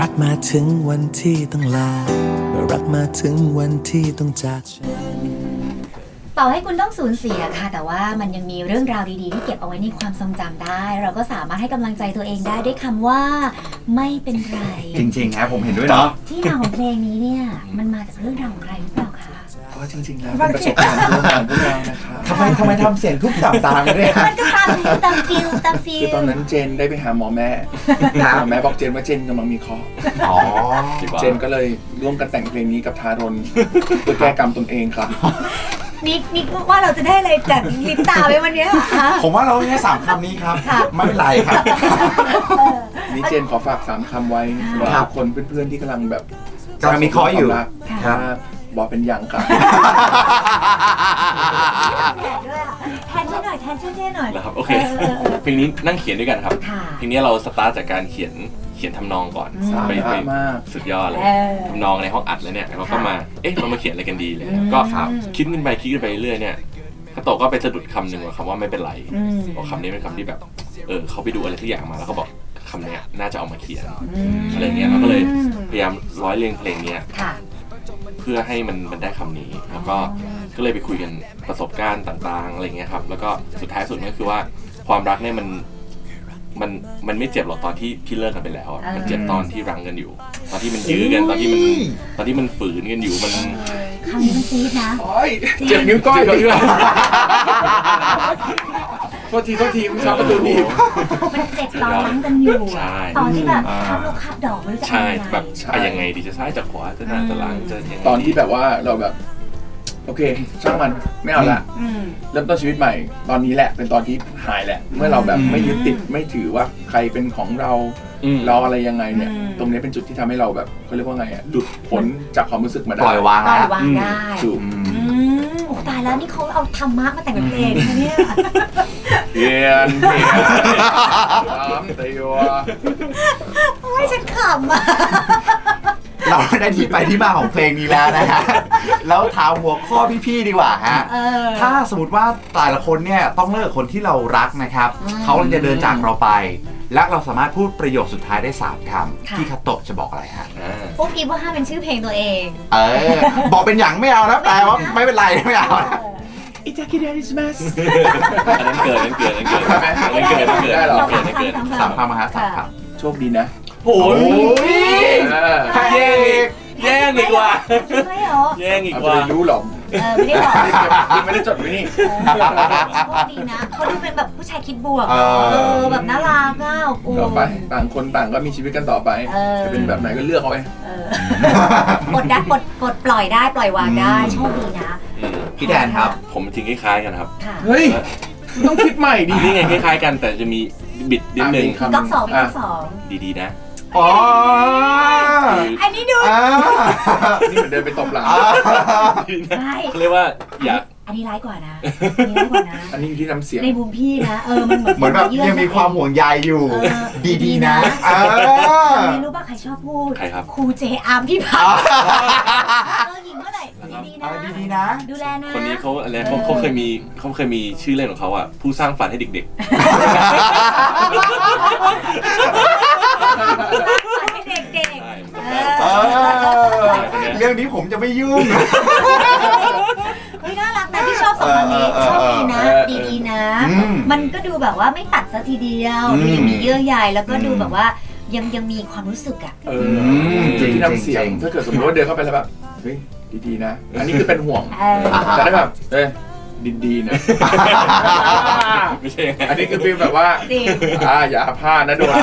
รักมาถึงวันที่ต้องลารักมาถึงวันที่ต้องจากฉันต่อให้คุณต้องสูญเสียค่ะแต่ว่ามันยังมีเรื่องราวดีๆที่เก็บเอาไว้ในความทรงจำได้เราก็สามารถให้กำลังใจตัวเองได้ด้วยคำว่าไม่เป็นไรจริงๆครับผมเห็นด้วยเนาะที่มาของเพลงนี้เนี่ยมันมาจากเรื่องราวของใครหรือเปล่าคะเพราะจริงๆแล้วเป็นประสบการณ์ร่วมของพวกเรานะครับทำไมทำเสียงทุกต่างๆเลยมันก็ตามฟิลคือตอนนั้นเจนได้ไปหาหมอแม่บอกเจนว่าเจนกำลังมีเคราะห์เจนก็เลยร่วมกันแต่งเพลงนี้กับทารนเพื่อแก้กรรมตนเองครับนิกว่าเราจะได้อะไรจากลิปตาไปวันนี้ค่ะผมว่าเราแค่3 คำนี้ครับไม่เป็นไรครับนี่เจนขอฝาก3 คำไว้สำหรับคนเพื่อนๆที่กำลังแบบกำลังมีเคราะห์อยู่ครับบอกเป็นยังครับแทนช่วยหน่อยนะครับโอเคเพลงนี้นั่งเขียนด้วยกันครับเพลงนี้เราสตาร์ทจากการเขียนทำนองก่อนไปสุดยอดเลยทำนองในห้องอัดแล้วเนี่ยเราก็มาเรามาเขียนอะไรกันดีเลยก็คิดกันไปเรื่อยเนี่ยคาโตะก็ไปสะดุดคำหนึ่งว่าคำว่าไม่เป็นไรบอกคำนี้เป็นคำที่แบบเขาไปดูอะไรทุกอย่างมาแล้วก็บอกคำนี้น่าจะเอามาเขียนอะไรเงี้ยเราก็เลยพยายามร้อยเรียงเพลงนี้เพื่อให้มันได้คำนี้แล้วก็เลยไปคุยกันประสบการณ์ต่างๆอะไรเงี้ยครับแล้วก็สุดท้ายสุดก็คือว่าความรักเนี่ยมันไม่เจ็บหรอกตอนที่เลิกกันไปแล้วมันเจ็บตอนที่รังกันอยู่ตอนที่มันยื้อกันตอนที่มันฝืนกันอยู่มันคำนี้มันจี๊ดนะเจ็บนิ้วก้อยโทษทีคุณชอบประตูนี้มันเจ็บตอนรังกันอยู่ตอนที่แบบข้ามลูกข้ามดอกไม่รู้จะยังไงดีจะซ้ายจะขวาจะหน้าจะหลังจะยังไงตอนที่แบบว่าเราแบบโอเคช่างมันไม่เอาละเริ่มต้นชีวิตใหม่ตอนนี้แหละเป็นตอนที่หายแหละเมื่อเราแบบไม่ยึดติดไม่ถือว่าใครเป็นของเราอะไรยังไงเนี่ยตรงนี้เป็นจุดที่ทำให้เราแบบเขาเรียกว่าไงหลุดพ้นจากความรู้สึกมาได้ปล่อยวางได้ถูกตายแล้วนี่เขาเอาธรรมะมาแต่งเป็นเพลงนะเนี่ยเพียนไม่ฉันขำอ่ะเราได้ที่ไปที่มาของเพลงนี้แล้วนะฮะแล้วถามหัวข้อพี่ๆดีกว่าฮะถ้าสมมติว่าแต่ละคนเนี่ยต้องเลิกคนที่เรารักนะครับเขาจะเดินจากเราไปและเราสามารถพูดประโยคสุดท้ายได้3 คำที่คาโตะจะบอกอะไรฮะปุ๊บอีว่าห้าเป็นชื่อเพลงตัวเองบอกเป็นอย่างไม่เอานะแต่ว่าไม่เป็นไรไม่เอาอิตาคิเดริสมัสอันนั้นเกิดได้หรอ 3 คำฮะ3 คำโชคดีนะโอ้ยแย่งอีกว่าแย่งอีกว่ารู้หรอไม่ได้บอกไม่ได้จดไว้นี่โชคดีนะเขาดูเป็นแบบผู้ชายคิดบวกแบบน่ารักอ่ะต่อไปต่างคนต่างก็มีชีวิตกันต่อไปจะเป็นแบบไหนก็เลือกเอาไปปลดได้ปลดปล่อยได้ปล่อยวางได้โชคดีนะพี่แดนครับผมจริงคล้ายๆกันครับเฮ้ยต้องคิดใหม่ดีนี่ไงคล้ายๆกันแต่จะมีบิดนิดนึงก๊อก2 ดีๆนะอันนี้ดูนี่เหมือนเดินไปตบหลังเขาเรียกว่าอยากอันนี้ร้ายกว่านะอันนี้อยู่ที่น้ำเสียงในมุมพี่นะมันเหมือนแบบยังมีความห่วงใยอยู่ดีๆนะไม่รู้ป่ะใครชอบพูดใครครับครูเจอาร์มพี่พักหญิงเมื่อไหร่ดีๆนะดูแลนะคนนี้เขาอะไรเขาเคยมีชื่อเล่นของเขาอ่ะผู้สร้างฝันให้เด็กๆเรื่องนี้ผมจะไม่ยุ่งเฮ้ยน่ารักนะที่ชอบ2 คำนี้ชอบดีนะดีๆนะมันก็ดูแบบว่าไม่ตัดซะทีเดียวดูยังมีเยื่อใยแล้วก็ดูแบบว่ายังมีความรู้สึกอ่ะจริงที่น้ำเสียงถ้าเกิดสมมติว่าเดินเข้าไปแล้วแบบเฮ้ยดีๆนะอันนี้คือเป็นห่วงจะได้แบบดีๆนะไม่ใช่อันนี้คือฟีลแบบว่าอย่าพลาดนะโดน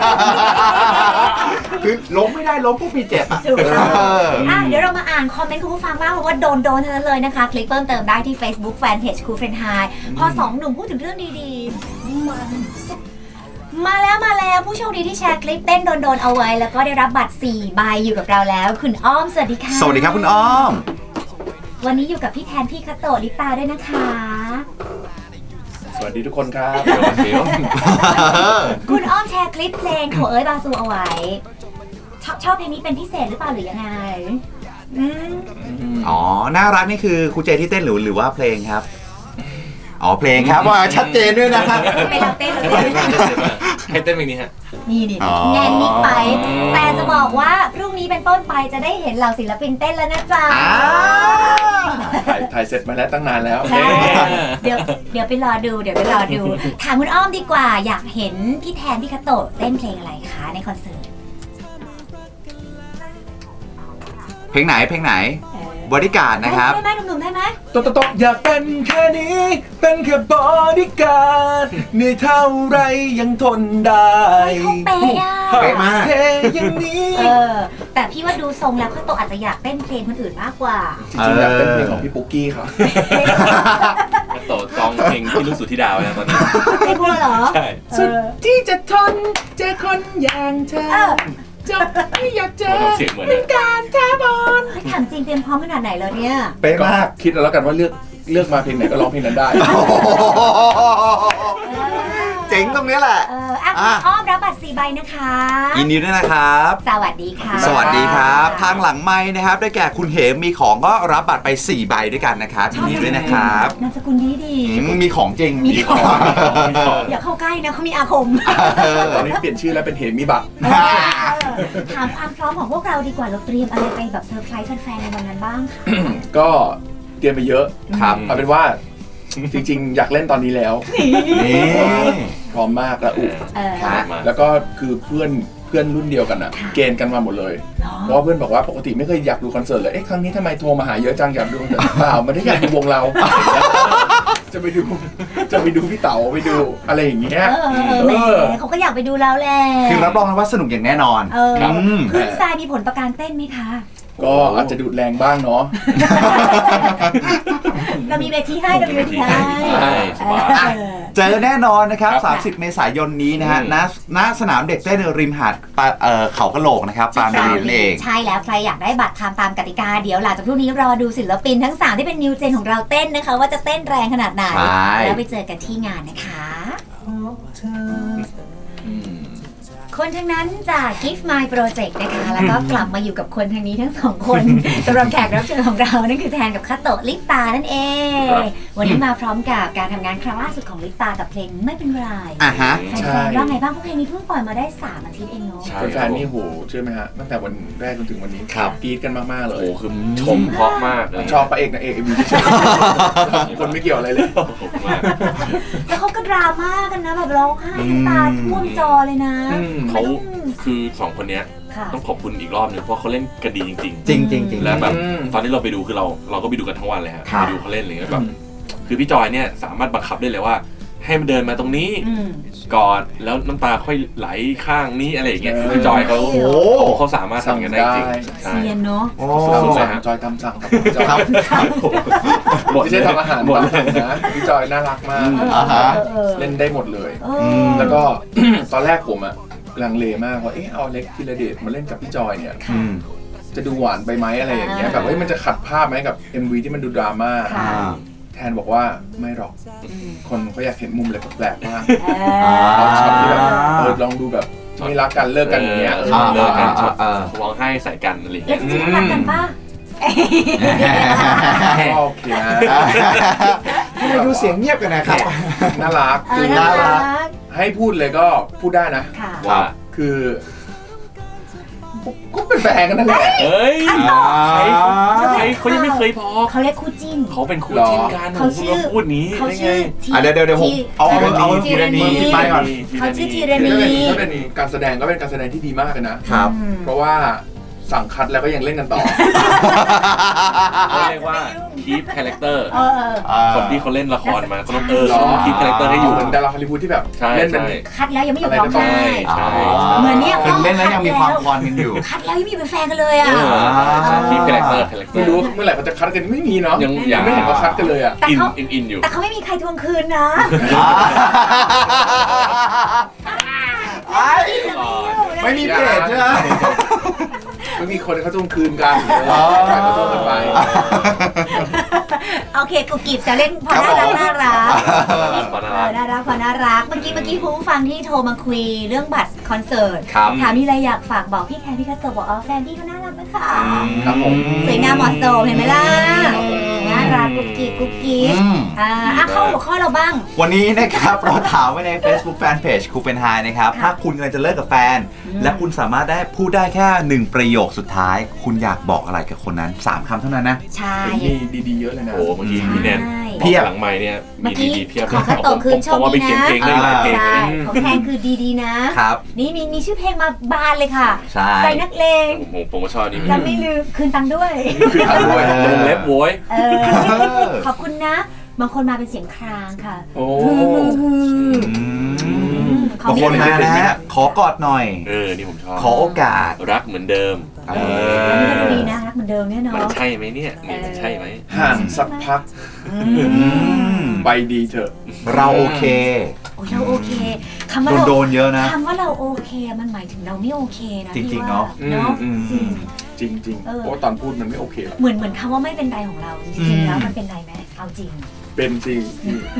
คือล้มไม่ได้ล้มปุ๊บมีเจ็บถูกเดี๋ยวเรามาอ่านคอมเมนต์คุณผู้ฟังบ้างเพราะว่าโดนทั้งนั้นเลยนะคะคลิกเพิ่มเติมได้ที่ Facebook Fanpage ครูเฟรนไฮพอ2 หนุ่มพูดถึงเรื่องดีๆมาแล้วผู้โชคดีที่แชร์คลิปเต้นโดนเอาไว้แล้วก็ได้รับบัตร4 ใบอยู่กับเราแล้วคุณอ้อมสวัสดีค่ะสวัสดีครับคุณอ้อมวันนี้อยู่กับพี่แทนพี่คาโตะลิปตาด้วยนะคะสวัสดีทุกคนครับคุณอ้อมแชร์คลิปเพลงโถเอ้ยบาซูเอาไว้ชอบเพลงนี้เป็นพิเศษหรือเปล่าหรือยังไงน่ารักนี่คือครูเจที่เต้นหรือว่าเพลงครับเพลงครับว่าชัดเจนด้วยนะครับไม่เราเต้นให้เต้นเพลงนี้ฮะนี่แน่นนิดไปแต่จะบอกว่าพรุ่งนี้เป็นต้นไปจะได้เห็นเหล่าศิลปินเต้นแล้วนะจ๊ะถ่ายเสร็จมาแล้วตั้งนานแล้วใช่เดี๋ยวไปรอดูถามคุณอ้อมดีกว่าอยากเห็นพี่แทนพี่คาโตะเต้นเพลงอะไรคะในคอนเสิร์ตเพลงไหนบริการดนะครับได้ไหมหนุ่มๆได้ไหมตบอยากเป็นแค่นี้เป็นแค่บอดี้การ์ดเหนื่อยเท่าไรยังทนได้เขาเป๊ะอะเป๊ะมากเท่อย่างนี้แต่พี่ว่าดูทรงแล้วคาโตะอาจจะอยากเต้นเพลงคนอื่นมากกว่าจริงๆอยากเป็นเพลงของพี่ปุ๊กกี้ครับก็โตจองเพลงที่รู้สุดที่ดาวนะตอนนี้เพลงพวกเราเหรอใช่สุดที่จะทนเจอคนอย่างเธอจบไม่อยากเจอเสียงเหมือนเป็นการท้าบอลถามจริงเตรียมพร้อมขนาดไหนแล้วเนี่ยเป๊ะมากคิดแล้วกันว่าเลือกมาเพลงไหนก็ร้องเพลงนั้นได้เจ๋งตรงนี้แหละอ้อมรับบัตร4 ใบนะคะยินดีด้วยนะครับสวัสดีค่ะสวัสดีครับ ทางหลังไม้นะครับได้แก่คุณเหมมีของก็รับบัตรไป4 ใบด้วยกันนะครับยินดีด้วยนะครับนามสกุลดีมีของจริงมีของ อย่าเข้าใกล้นะเขามีอาคมตอนนี้เปลี่ยนชื่อแล้วเป็นเหมิบะถามความพร้อมของพวกเราดีกว่าเราเตรียมอะไรไปแบบเซอร์ไพรส์แฟนๆในวันนั้นบ้างค่ะก็เตรียมไปเยอะครับเอาเป็นว่าจริงๆ อยากเล่นตอนนี้แล้วนี่พร้อมมากแล้วอุครับแล้วก็คือเพื่อนรุ่นเดียวกันอ่ะ เกณฑ์กันมาหมดเลย เพราะว่าเพื่อนบอกว่าปกติไม่เคยอยากดูคอนเสิร์ตเลย ครั้งนี้ทำไมโทรมาหาเยอะจังอยากดูคอนเสิร์ตเปล่าไม่ได้อยากดูวงเรา จะไปดูพี่เต๋าไปดูอะไรอย่างเงี้ยแหมเขาก็อยากไปดูแล้วแหละคือรับรองนะว่าสนุกอย่างแน่นอนขึ้นทรายมีผลต่อการเต้นไหมคะก็อาจจะดูดแรงบ้างเนาะเรามีเวทีให้เรามีเวทีให้ใช่สบายเจอแน่นอนนะครับครับ 30 เมษายนนี้นะฮะณสนามเด็กเต้นริมหาดเขากะโหลกนะครับปราณบุรีนั่นเองใช่แล้วใครอยากได้บัตรทำตามกติกาเดี๋ยวหลังจากพรุ่งนี้รอดูศิลปินทั้ง3ที่เป็นนิวเจนของเราเต้นนะคะ ว่าจะเต้นแรงขนาดไหนใช่แล้วไปเจอกันที่งานนะคะ คนทั้งนั้นจาก Gift My Project นะคะแล้วก็กลับมาอยู่กับคนทางนี้ทั้ง2 คนสำหรับแขกรับเชิญของเรานั่นคือแทนกับคาโตะลิปตานั่นเอง วันนี้มาพร้อมกับการทำงานครั้งล่าสุดของลิปตากับเพลงไม่เป็นไรอ่ะฮะแฟนๆว่าไงบ้างเพราะเพลงนี้เพิ่งปล่อยมาได้3 อาทิตย์เองเนาะใช่แฟนๆนี่โหเชื่อไหมฮะตั้งแต่วันแรกจนถึงวันนี้ครับกรี๊ดกันมากๆเลโอ้ยโหคือชมเพราะมากเลยชอบพระเอกนางเอกMVที่ชอบคนไม่เกี่ยวอะไรเลยผมมากแล้วเขาก็ดราม่ากันนะแบบร้องไห้น้ำตาท่วมจอเลยนะเขาคือ2 คนเนี้ยค่ะต้องขอบคุณอีกรอบหนึงเพราะเขาเล่นกันดีจริงจริงจริงจริงๆ แล้วแบบตอนที่เราไปดูคือเราก็ไปดูกันทั้งวันเลยฮะครับไปดูเขาเล่นอะไรเงี้ยแบบคือพี่จอยเนี่ยสามารถบังคับได้เลยว่า ให้มันเดินมาตรงนี้ ก่อนแล้วน้ำตาค่อยไหลข้างนี้อะไรอย่างเงี้ยคือพี่จอยเขาโอ้เขาสามารถทำกันได้จริงใช่เซียนเนาะโอ้สุดๆเลยฮะจอยตามสั่งครับจอยครับไม่ใช่ทำอาหารหมดตามสั่งนะพี่จอยน่ารักมากอ่าฮะเล่นได้หมดเลย แล้วก็ ตอนแรกผมอะลังเลมากว่าเอาเล็กธีรเดชมาเล่นกับพี่จอยเนี่ยอืมจะดูหวานไปไหมอะไรอย่างเงี้ยแบบมันจะขัดภาพไหมกับ MV ที่มันดูดราม่าค่ะแทนบอกว่าไม่หรอกคนเขาอยากเห็นมุมอะไรแปลกๆบ้างอ่าเอาช็อตที่แบบลองดูแบบไม่รักกันเลิกกันอย่างเงี้ยเลิกกันช็อตอ่าร้องไห้ใส่กันอะไรอย่างแล้เงี้วย จริงๆรักกันป่ะโอเคนะทำไมดูเสียงเงียบกันนะครับน่ารักคือน่ารักให้พูดเลยก็พูดได้นะค่ะว่าคือก็เป็นแฟนกันนั่นแหละเอ้ย ใครเขายังไม่เคยพอเขาเรียกคู่จิ้นเขาเป็นคู่จิ้นกันเขาชื่อพูดนี้เขาได้ไงชื่อเดี๋ยวผมเอาธีทีละรณีนี้ไปก่อนเขาชื่อธีรถ้าณีเป็นการแสดงก็เป็นการแสดงที่ดีมากเลยนะครับเพราะว่าสั่งคัดแล้วก็ยังเล่นกันต่อเขาเรียกว่า keep character เออคนที่เขาเล่นละครมาเขาต้องหรอ keep character ให้อยู่เหมือนดาราฮอลลีวูดที่แบบใช่เล่นเป็นใช่คัดแล้วยังไม่หยุดร้องไห้ใช่เหมือนเนี่ยคือเล่นแล้วยังมีความคอนกันอยู่คัดแล้วยังมีเป็นแฟนกันเลยอ่ะ keep character ไม่รู้เมื่อไหร่เขาจะคัดกันไม่มีเนาะยังไม่เห็นว่าคัดกันเลยอ่ะแต่อินเขาอินอยู่แต่เขาไม่มีใครทวงคืนนะไม่มีเพจใช่ไหมไม่มีคนเขาทวงคืนกันใครเขาทวงกันไปโอเคกูกีบจะเล่นพอน่ารักน่ารักพอน่ารักน่ารักพอน่ารักเมื่อกี้คุณผู้ฟังที่โทรมาคุยเรื่องบัตรคอนเสิร์ตครับถามมีอะไรอยากฝากบอกพี่แคนพี่คาโตะบอกแฟนพี่เขาน่ารักนะคะครับผมสวยงามเหมาะสมเห็นไหมล่ะครับผมน่ารักกุ๊กกิ๊กกุ๊กกิ๊กเข้าหัวข้อเราบ้างวันนี้นะครับเราถามไว้ใน Facebook Fanpage ครูเป็นไฮนะครับถ้าคุณกำลังจะเลิกกับแฟนและคุณสามารถได้พูดได้แค่1ประโยคสุดท้ายคุณอยากบอกอะไรกับคนนั้น3คำเท่านั้นนะใช่มีดีๆเยอะเลยนะโอ้เมื่อกี้พี่แนนเพียบหลังไมค์เนี่ยมีดีๆเพียบขอคัตโตคืนโชคดีนะของแทนคือดีๆนะครับนี่มีชื่อเพลงมาบานเลยค่ะใจนักเลงผมก็ชอบนี่จะไม่ลืมคืนตังค์ด้วยลงเล็บโว้ยขอบคุณนะบางคนมาเป็นเสียงครางค่ะโอ้บางคนมานะฮะขอกอดหน่อยนี่ผมชอบขอโอกาสรักเหมือนเดิมนี่ก็ดีนะรักเหมือนเดิมเนี่ยเนาะมันใช่ไหมเนี่ยมันใช่ไหมห่างสักพักไปดีเถอะเราโอเคเราโอเคคำว่าโดนเยอะนะคำว่าเราโอเคมันหมายถึงเราไม่โอเคนะจริงๆเนาะจริงๆเพราะตอนพูดมันไม่โอเคหรอกเหมือนคำว่าไม่เป็นไรของเราจริงๆแล้วมันเป็นไรไหมเอาจริงเป็นจริง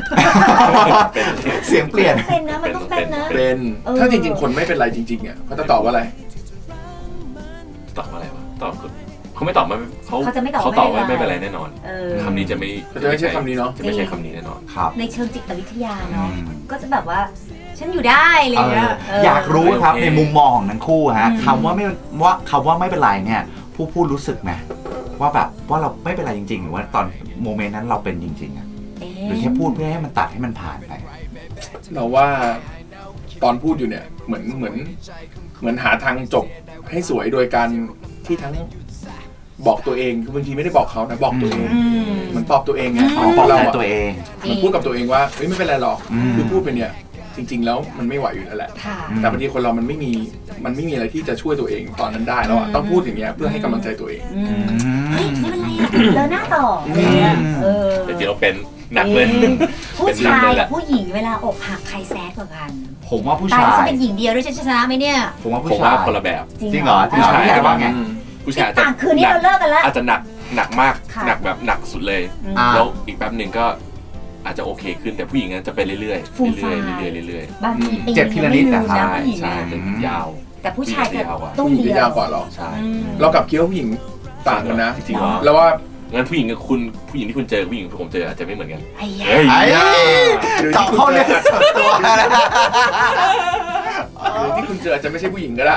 เสียงเปลี่ยนเป็นนะมันต้องเป็นนะเป็นถ้าจริงๆคนไม่เป็นไรจริงๆอ่ะเขาจะตอบว่าอะไรตอบอะไรวะตอบเขาไม่ตอบมาเขาตอบว่าไม่เป็นไรแน่นอนคำนี้จะไม่ใช่คำนี้เนาะจะไม่ใช่คำนี้แน่นอนครับในเชิงจิตวิทยาเนาะก็จะแบบว่าฉันอยู่ได้เลยนะอยากรู้ครับในมุมมองของทั้งคู่ฮะคำว่าไม่เป็นไรเนี่ยผู้พูดรู้สึกไหมว่าแบบว่าเราไม่เป็นไรจริงๆหรือว่าตอนโมเมนต์นั้นเราเป็นจริงๆอ่ะหรือแค่พูดเพื่อให้มันตัดให้มันผ่านไปเราว่าตอนพูดอยู่เนี่ยเหมือนหาทางจบให้สวยโดยการที่ทั้งบอกตัวเองคือบางทีไม่ได้บอกเขานะบอกตัวเองมันตอบตัวเองไงบอกเราตัวเองมันพูดกับตัวเองว่าเฮ้ยไม่เป็นไรหรอกคือพูดไปเนี่ยจริงๆแล้วมันไม่ไหวอยู่แล้วแหละแต่บางทีคนเรามันไม่มีอะไรที่จะช่วยตัวเองตอนนั้นได้แล้วต้องพูดอย่างเงี้ยเพื่อให้กำลังใจตัวเองเฮ้ยไม่เป็นไรเดินหน้าต่อแต่จริงๆเราเป็นหนักเลยผู้ชายกับผู้หญิงเวลาอกหักใครแซดกว่ากันผมว่าผู้ชายแต่ฉันเป็นหญิงเดียวด้วยฉันชนะไหมเนี่ยผมว่าผู้ชายคนละแบบจริงเหรอผู้ชายว่าไงผู้ชายต่างคืนนี้เราเลิกกันแล้วอาจจะหนักมากหนักแบบหนักสุดเลยแล้วอีกแป๊บหนึ่งก็อาจจะโอเคขึ้นแต่ผู้หญิงจะไปเรื่อยบางทีเจ็บทีละนิดแต่ใช่จะยาวแต่ผู้ชายจะต้องเดียวยาวกว่าหรอใช่เรากับคิดว่าผู้หญิงต่างกันนะจริงๆแล้วว่างั้นผู้หญิงกับคุณผู้หญิงที่คุณเจอผู้หญิงที่ผมเจออาจจะไม่เหมือนกันต่อเข้าเรื่องส่วนตัวนะหรือที่คุณเจออาจจะไม่ใช่ผู้หญิงก็ได้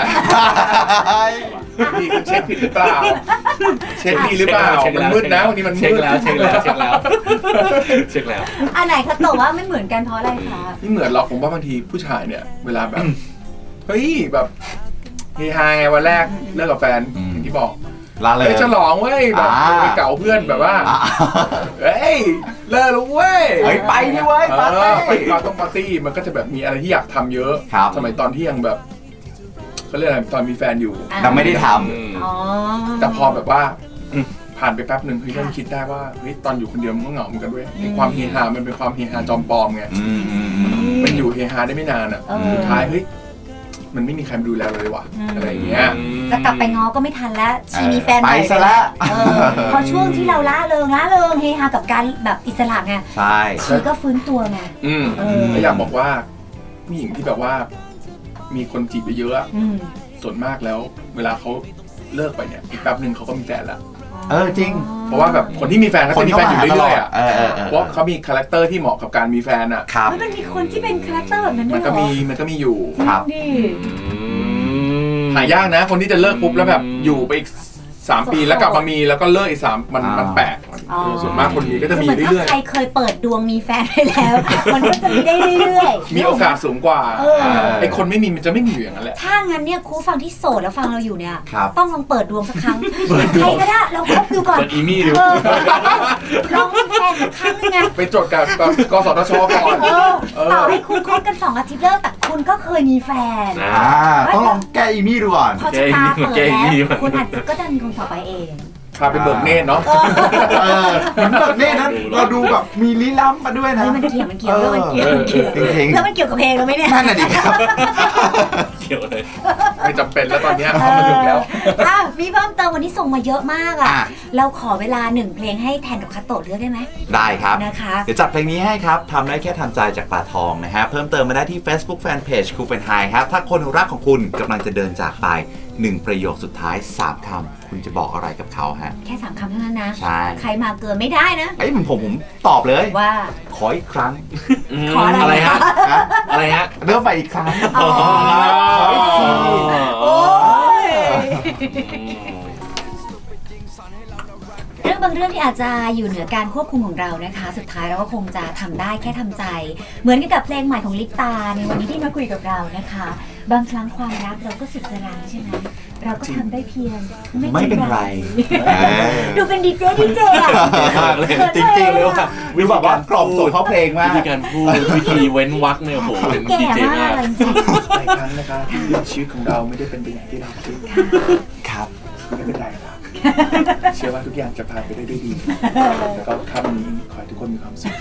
ที่คุณเช็คผิดหรือเปล่าเช็คดีหรือเปล่ามันมืดนะวันนี้มันมืดเช็คแล้วอันไหนเขาตอบว่าไม่เหมือนกันเพราะอะไรคะไม่เหมือนหรอกผมว่าบางทีผู้ชายเนี่ยเวลาแบบเฮ้ยแบบเฮฮาไงวันแรกเลิกกับแฟนอย่างที่บอกเลยฉลองเว้ยแบบไปเก่าเพื่อนแบบว่าเฮ้ยเลิกแล้วเว้ยไปดิเว้ยปาร์ตี้ไปปาร์ตี้มันก็จะแบบมีอะไรที่อยากทำเยอะสมัยตอนที่ยังแบบเขาเรียกอะไรตอนมีแฟนอยู่เราไม่ได้ทำแต่พอแบบว่าผ่านไปแป๊บหนึ่งเฮ้ยเริ่มคิดได้ว่าเฮ้ยตอนอยู่คนเดียวมันก็เหงาเหมือนกันด้วยความเฮฮามันเป็นความเฮฮาจอมปลอมไงมันอยู่เฮฮาได้ไม่นานอ่ะสุดท้ายเฮ้ยมันไม่มีใครมาดูแลเลยว่ะอะไรอย่างเงี้ยจะกลับไปง้อก็ไม่ทันแล้วชีมีแฟนใหม่ซะแล้วพอช่วงที่เราล่าเริงเฮฮากับการแบบอิสระไงใช่ชีก็ฟื้นตัวไงแล้วอยากบอกว่าผู้หญิงที่แบบว่ามีคนจีบไปเยอะส่วนมากแล้วเวลาเขาเลิกไปเนี่ยอีกแป๊บนึงเขาก็มีแฟนแล้วจริงเพราะว่าแบบคนที่มีแฟนเขาจะมีแฟนอยู่เรื่อยๆอ่ะเพราะเขามีคาแรคเตอร์ที่เหมาะกับการมีแฟนอ่ะมันมีคนที่เป็นคาแรคเตอร์แบบนั้นด้วยมันก็มีอยู่ครับหายากนะคนที่จะเลิกปุ๊บแล้วแบบอยู่ไปอีก3 ปีแล้วกลับมามีแล้วก็เลิกอีก3มันแปลกส่วนมากคนนี้ก็จะมีเรื่อยๆใครเคยเปิดดวงมีแฟนไปแล้วมันก็จะมีได้เรื่อยๆมีโอกาสสูงกว่าไอ้คนไม่มีมันจะไม่มีอยู่อย่างนั้นแหละถ้างั้นเนี่ยครูฟังที่โสดแล้วฟังเราอยู่เนี่ยต้องลองเปิดดวงสักครั้งใครก็ได้เราคบดูก่อนเปิดอีมี่ดูลองมีแฟนสักครั้งนึงไงไปจดกับกสทชก่อนต่อให้คุณคบกัน2 อาทิตย์เลิกแต่คุณก็เคยมีแฟนต้องลองแก้อีมี่ดูก่อนพอจะตาเปิดแล้วคุณอาจจะก็จะมีคนต่อไปเองพาไปเบิกเนตรเนาะเหมือนเบิกเนตรนั้นเราดูแบบมีลี้ลับมาด้วยนะมันเกี่ยวแล้วมันเกี่ยวแล้วมันเกี่ยวกับเพลงเราไหมเนี่ยนั่นน่ะดิครับเกี่ยวเลยไม่จำเป็นแล้วตอนนี้เขามาถึงแล้วมีเพิ่มเติมวันนี้ส่งมาเยอะมากอ่ะเราขอเวลา1 เพลงให้แทนกับคาโตะเลือกได้ไหมได้ครับนะคะเดี๋ยวจัดเพลงนี้ให้ครับทำได้แค่ทำใจจากปลาทองนะฮะเพิ่มเติมมาได้ที่ Facebook Fanpage ครูเป็นไฮครับถ้าคนรักของคุณกำลังจะเดินจากไป 1 ประโยคสุดท้าย 3 คำคุณจะบอกอะไรกับเขาฮะแค่3 คำเท่านั้นนะใช่ใครมาเกินไม่ได้นะไอ้ยผมตอบเลยว่าขออีกครั้งขออะไรฮะฮะอะไรฮะเริ่มไปอีกครั้งอ๋อขออีกทีโอ้ยเรื่องบางเรื่องที่อาจจะอยู่เหนือการควบคุมของเรานะคะ สุดท้ายเราก็คงจะทำได้แค่ทำใจ เหมือนกับเพลงใหม่ของลิปตาในวันนี้ที่มาคุยกับเรานะคะ บางครั้งความรักเราก็สุดจะรังใช่ไหมเราก็ทำได้เพียงไม่เป็นไรดูเป็นดีเจอะมากเลยจริงๆเลยว่ะวิวแบบว่ากล่อมส่งเขาเพลงมาวิกธีการพูดวิธีเว้นวรรคเนี่ยโอ้โหเป็นแก่ดีเจมามาก กเลยจริงหลายครั้งนะคะที่ชีวิตของเราไม่ได้เป็นไปอย่างที่เราคิดครับไม่เป็นไรครับเชื่อว่าทุกอย่างจะผ่านไปได้ด้วยดี แล้วก็ค่ำนี้ขอให้ทุกคนมีความสุข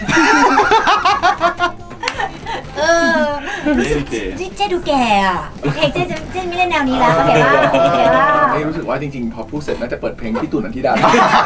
เออรู้สึกเจ๊ดูแก่อะเพลงเจ๊ไม่เล่นแนวนี้แล้วโอเคป่ะโอเคป่ะไม่รู้สึกว่าจริงๆ พอพูดเสร็จน่าจะเปิดเพลงพี่ตู่นันทิดา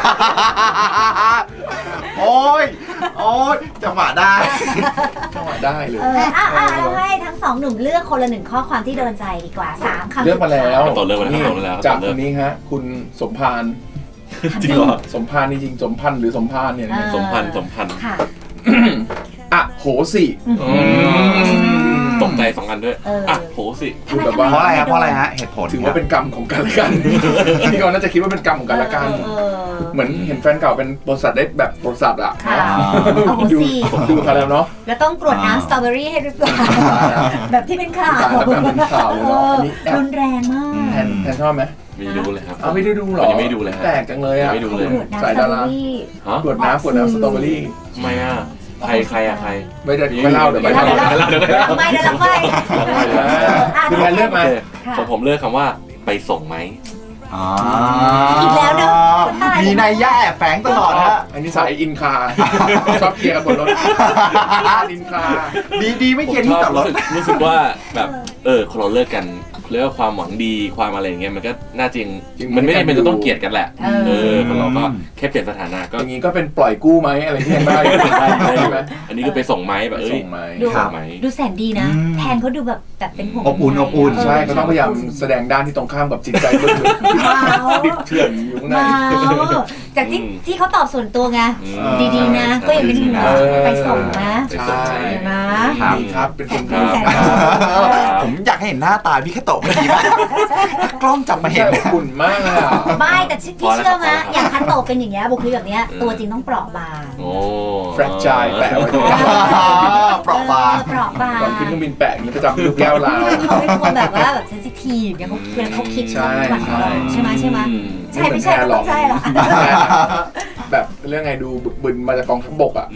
โอ้ยจังหวะได้จังหวะได้เลยเราให้ทั้ง2 หนุ่มเลือกคนละ1ข้อความที่โดนใจดีกว่า3 คำเลือกมาแล้วต่อเริ่มมาแล้วนี่ต่อเริ่มแล้วจากคนนี้ฮะ คุณสมพานจริงเหรอสมพานจริงๆสมพันธ์หรือสมพานเนี่ยสมพันธ์ค่ะอะโหสิตกใจ2 อันด้วยอ่ะโหสิคือแบบว่าเพราะอะไรฮะเหตุผลถือว่าเป็นกรรมของกันและกันที่เขาน่าจะคิดว่าเป็นกรรมของกันและกัน เหมือนเห็นแฟนเก่าเป็นบริษัทได้แบบบริษัทอ่ะค่ะโอ้โหดูสิดูเขาแล้วเนาะแล้วต้องกรวดน้ำสตรอเบอรี่ให้หรือเปล่าแบบที่เป็นข่าวแบบเป็นข่าวเลยเนาะอันนี้แอบรุนแรงมากแทนชอบไหมไม่ดูเลยครับเอาไม่ได้ดูหรอยังไม่ดูเลยฮะแปลกจังเลยอ่ะยังไม่ดูเลยกรวดน้ำสสายตรอดาเบอรารี่ฮะกวดน้ำสตรอเบอรี่ทำไมอ่ะใครอะใครไม่ได้ไม่เล่าเดี๋ยวไปเดี๋ยวเล่าเดี๋ยวไม่เดี๋ยวเราไปคุณแทนเลือกมาของผมเลือกคำว่าไปส่งไหมอีกแล้วเนอะมีนัยยะแอบแฝงตลอดฮะอันนี้สายอินคา ชอบเคลียร์กันบนรถอินคาดีไม่เขียนที่จอดรถรู้สึกว่าแบบคนเราเลิกกันเรียกว่าความหวังดีความอะไรอย่างเงี้ยมันก็น่าจริงมันไม่ได้เป็นจะต้องเกลียดกันแหละคนเราก็แค่เปลี่ยนสถานะก็อย่างนี้ก็เป็นปล่อยกู้ไหมอะไรที่ยังได้ใช่ไหมอันนี้ก็ไปส่งไหมแบบส่งไหมส่งไหมดูแสนดีนะ แทนเขาดูแบบเป็นห่วงอบอุ่นใช่ก็ต้องพยายามแสดงด้านที่ตรงข้ามกับจิตใจลึกๆดิบเถื่อนอยู่ข้างในจากที่เขาตอบส่วนตัวไงดีๆนะ ก็ยังเป็นห่วงไปส่งนะไปส่งไหมนะดีครับเป็นคนดีผมอยากให้เห็นหน้าตาพี่แค่โตะเมื่อกี้มากถ้ากล้องจับมาเห็นอบอุ่นมากเลยอ่ะไม่แต่ที่เชื่อไหมอย่างคันโตเป็นอย่างเงี้ยบุคลิกแบบเนี้ยตัวจริงต้องเปราะบางโอ้แฟรนไชส์แปะไว้ด้วยเปราะบางเปราะบางก่อนขึ้นเครื่องบินแปะอย่างนี้ประจำลูกแก้วลาวเขาเป็นคนแบบว่าแบบเซนซิทีฟเนี่ยเขาคิดเขาหวั่นไหวใช่ไหมใช่ไม่ใช่ก็ต้องใช่หรอแบบเรื่องไงดูบึนมาจากกองทัพบกอ่ะ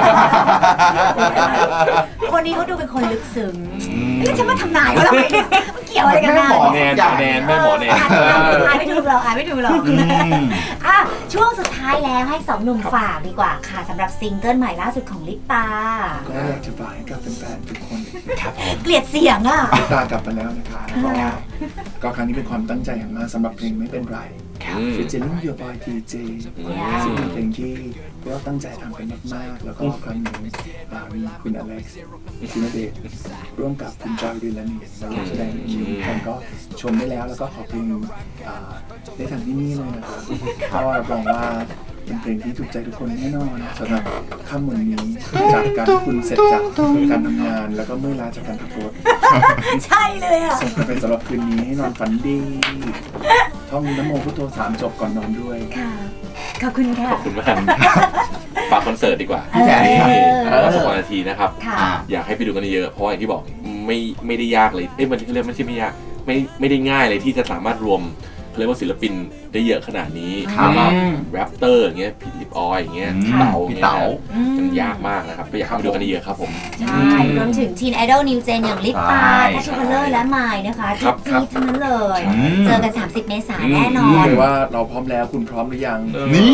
คนนี้เขาดูเป็นคนลึกซึ้งแล้วจะมาทำนายว่าเราไม่เนี่ยมันเกี่ยวอะไรกันนะหมอแนนแม่หมอแนนอ่านไม่ถูกหรอกอ่ะช่วงสุดท้ายแล้วให้2 หนุ่มฝากดีกว่าค่ะสำหรับซิงเกิลใหม่ล่าสุดของลิปตาก็อยากจะฝากให้กับแฟนๆทุกคนครับผมเกลียดเสียงอ่ะลิปตากลับมาแล้วนะคะก็ครั้งนี้เป็นความตั้งใจอย่างมากสำหรับเพลงไม่เป็นไรฟิชเจอริ่ง Your Boy TJ ซึ่งเป็นเพลงที่เราตั้งใจทำกันมากๆแล้วก็ครั้งนี้มีคุณอเล็กซ์คุณณเดชน์ร่วมกับคุณจอยดิลานีมาร่วมแสดงในคิวกันก็ชมได้แล้วก็ขอเพลงได้ทางที่นี่เลยนะครับเพราะว่ารับรองว่าเป็นเพลงที่ถูกใจทุกคนแน่นอนสำหรับค่ำวันนี้จากการที่คุณเสร็จจากการทำงานแล้วก็เมื่อยล้าจากการขับรถใช่เลยอ่ะส่งกันไปสำหรับคืนนี้ให้นอนฝันดีท่องนะโมพุทโธ3 จบก่อนนอนด้วยค่ะขอบคุณค่ะขอบคุณมากฝากคอนเสิร์ตดีกว่าพี่แจ๊ค 2 นาทีนะครับค่ะอยากให้ไปดูกันเยอะเพราะอย่างที่บอกไม่ได้ยากเลยมันเรียกไม่ใช่ไม่ยากไม่ได้ง่ายเลยที่จะสามารถรวมเขาเรียกว่าศิลปินได้เยอะขนาดนี้แล้วก็แรปเตอร์อย่างเงี้ยพี่ลิปออยอย่างเงี้ยพี่เต๋ามันยากมากนะครับก็อยากให้ไปดูกันเยอะครับผมใช่รวมถึงทีนไอดอลนิวเจนอย่างลิปตาทัชคัลเลอร์และไมล์นะคะจี๊ดทั้งนั้นเลย เจอกัน 30 เมษายนแน่นอรู้นเลยว่าเราพร้อมแล้วคุณพร้อมหรือยังนี่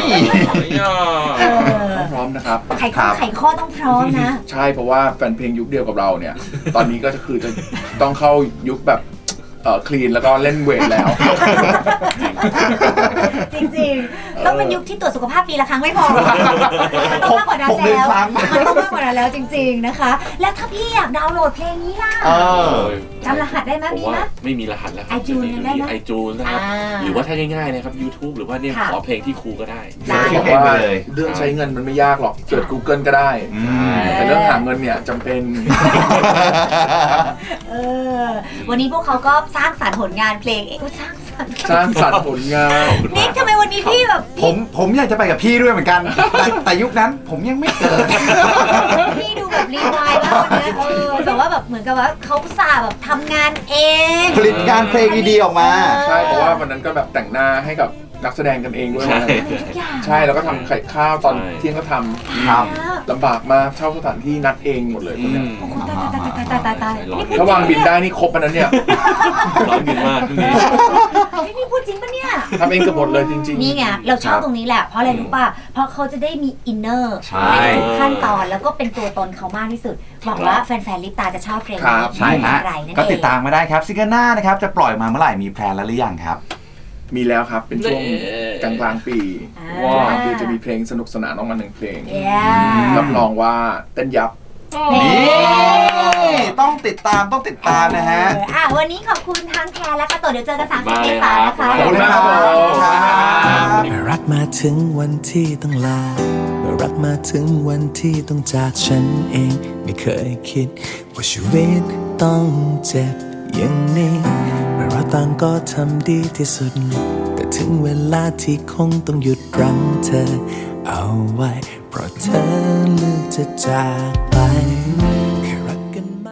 พร้อมนะครับไขข้อต้องพร้อมนะใช่เพราะว่าแฟนเพลงยุคเดียวกับเราเนี่ย ตอนนี้ก็คือจะต้องเข้ายุคแบบคลีนแล้วก็เล่นเวทแล้วจริงๆต้องเป็นยุคที่ตรวจสุขภาพปีละครั้งไม่พอมันต้องมากกว่านั้น 6 เดือนแล้วครั้งมันต้องมากกว่านั้นแล้วจริงๆนะคะ แล้วถ้าพี่อยากดาวน์โหลดเพลงนี้ล่ะ จำรหัสได้ไหมผมมีว่าไหมไม่มีรหัสแล้วครับ iTunes ได้ไหมไอจูนนะครับ หรือว่าถ้าง่ายๆนะครับ YouTube หรือว่าเนี่ยค่ะขอเพลงที่ครูก็ได้ได้บอกว่าเรื่องใช้เงินมันไม่ยากหรอกเกิด Google ก็ได้ แต่เรื่องหาเงินเนี่ยจำเป็นวันนี้พวกเขาก็สร้างสรรค์ผลงานเพลงเองสร้างสรรค์สร้างสรรค์ผลงานนิกทำไมวันนี้พี่แบบผมอยากจะไปกับพี่ด้วยเหมือนกัน แต่ยุคนั้นผมยังไม่เกิดพี่ดูแบบรีวายมากวันนี้แต่ว่าแบบเหมือนกับว่าเขาอุตส่าห์แบบทำงานเองผลิตงานเพลงดีๆออกมาใช่เพราะว่าวันนั้นก็แบบแต่งหน้าให้กับนักแสดงกันเองด้วยใช่ทุกอย่างใช่แล้วก็ทำไข่ข้าวตอนเที่ยงก็ทครับำลำบากมากเช่าสถานที่นัดเองหมดเลยคนเนี้ยโอ้โหตายนี่พูดถ้าวางบินได้นี่ครบอันนั้นเนี่ยร้อนเงินมากช่วงนี้นี่พูดจริงปะเนี่ยทำเองเกือบหมดเลยจริงๆนี่ไงเราชอบตรงนี้แหละ เพราะอะไรรู้ป่ะ เพราะเขาจะได้มีอินเนอร์ใช่ในทุกขั้นตอนแล้วก็เป็นตัวตนเขามากที่สุดหวังว่าแฟนๆลิปตาจะชอบเพลงนี้ใช่ฮะอะไรนั่นเองก็ติดตามมาได้ครับซิงเกิลหน้านะครับจะปล่อยมาเมื่อไหร่มีแพลนแล้วหรือยังครับมีแล้วครับเป็นช่วงกลางๆปีว้าวกลางปีจะมีเพลงสนุกสนานออกมา1 เพลงเย้รับรองว่าเต้นยับนี่ต้องติดตามนะฮะวันนี้ขอบคุณทั้งแคร์และกระโตเดี๋ยวเจอกัน30 มาเมเลยษายนครับนะคะขอบคุณมากครับผมเมื่อรักมาถึงวันที่ต้องลาเมื่อรักมาถึงวันที่ต้องจากฉันเองไม่เคยคิดว่าชีวิตต้องเจ็บอย่างนี้เมื่อเราต่างก็ทำดีที่สุดแต่ถึงเวลาที่คงต้องหยุดรั้งเธอเอาไว้เพราะเธอเลือกจะจากไป